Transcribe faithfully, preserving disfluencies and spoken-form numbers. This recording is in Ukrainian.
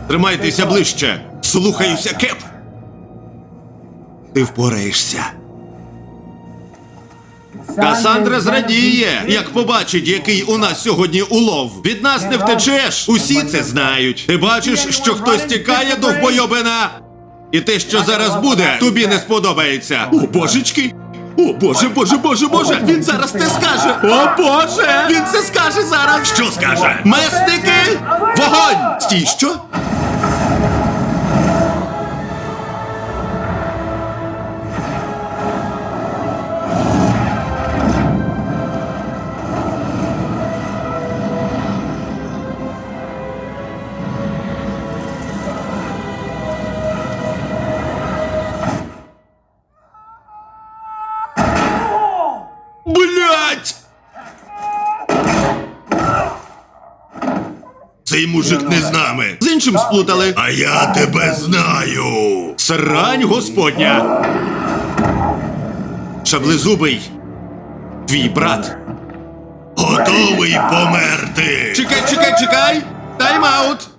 Тримайтеся ближче. Слухаюся, Кеп. Ти впораєшся. Касандра зрадіє, як побачить, який у нас сьогодні улов. Від нас не втечеш, усі це знають. Ти бачиш, що хтось тікає до вбойобина? І те, що зараз буде, тобі не сподобається. О, божечки! О, боже, боже, боже, боже! Він зараз це скаже! О, боже! Він це скаже зараз! Що скаже? Месники! Вогонь! Стій, що? Блять! Цей мужик не з нами. З іншим сплутали. А я тебе знаю. Срань господня. Шаблезубий. Твій брат. Готовий померти. Чекай, чекай, чекай. Тайм-аут.